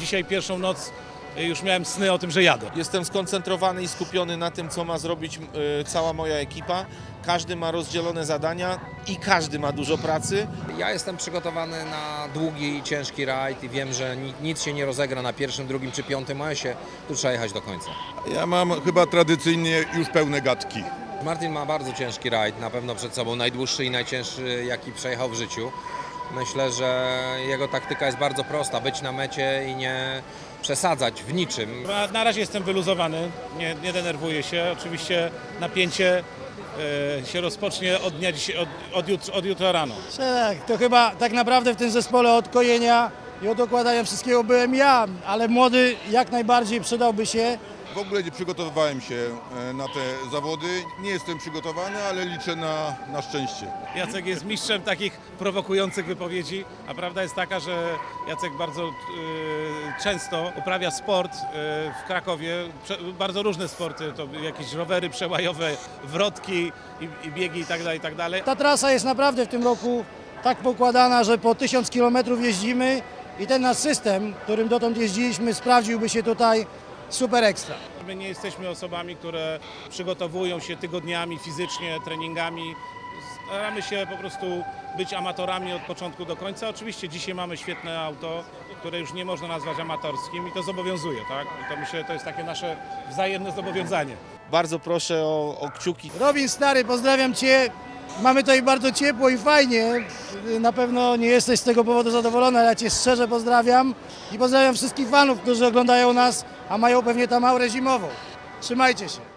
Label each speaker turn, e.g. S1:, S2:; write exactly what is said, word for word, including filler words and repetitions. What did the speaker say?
S1: dzisiaj pierwszą noc już miałem sny o tym, że jadę.
S2: Jestem skoncentrowany i skupiony na tym, co ma zrobić y, cała moja ekipa. Każdy ma rozdzielone zadania i każdy ma dużo pracy.
S3: Ja jestem przygotowany na długi i ciężki rajd i wiem, że nic się nie rozegra na pierwszym, drugim czy piątym masie. Tu trzeba jechać do końca.
S4: Ja mam chyba tradycyjnie już pełne gadki.
S3: Martin ma bardzo ciężki rajd, na pewno przed sobą najdłuższy i najcięższy, jaki przejechał w życiu. Myślę, że jego taktyka jest bardzo prosta, być na mecie i nie przesadzać w niczym.
S1: Na, na razie jestem wyluzowany, nie, nie denerwuję się. Oczywiście napięcie e, się rozpocznie od, dnia, od, od, jutro, od jutra rano.
S5: Tak, to chyba tak naprawdę w tym zespole od kojenia i od okładania wszystkiego byłem ja, ale młody jak najbardziej przydałby się.
S4: W ogóle nie przygotowywałem się na te zawody. Nie jestem przygotowany, ale liczę na, na szczęście.
S1: Jacek jest mistrzem takich prowokujących wypowiedzi, a prawda jest taka, że Jacek bardzo y, często uprawia sport y, w Krakowie, prze, bardzo różne sporty, to jakieś rowery przełajowe, wrotki i, i biegi i tak dalej, i tak dalej.
S5: Ta trasa jest naprawdę w tym roku tak pokładana, że po tysiąc kilometrów jeździmy i ten nasz system, którym dotąd jeździliśmy, sprawdziłby się tutaj super ekstra.
S1: My nie jesteśmy osobami, które przygotowują się tygodniami fizycznie, treningami. Staramy się po prostu być amatorami od początku do końca. Oczywiście dzisiaj mamy świetne auto, które już nie można nazwać amatorskim i to zobowiązuje, tak? I to myślę, że to jest takie nasze wzajemne zobowiązanie.
S2: Bardzo proszę o, o kciuki.
S5: Robin stary, pozdrawiam Cię. Mamy tutaj bardzo ciepło i fajnie. Na pewno nie jesteś z tego powodu zadowolony, ale ja Cię szczerze pozdrawiam i pozdrawiam wszystkich fanów, którzy oglądają nas, a mają pewnie tam aurę zimową. Trzymajcie się.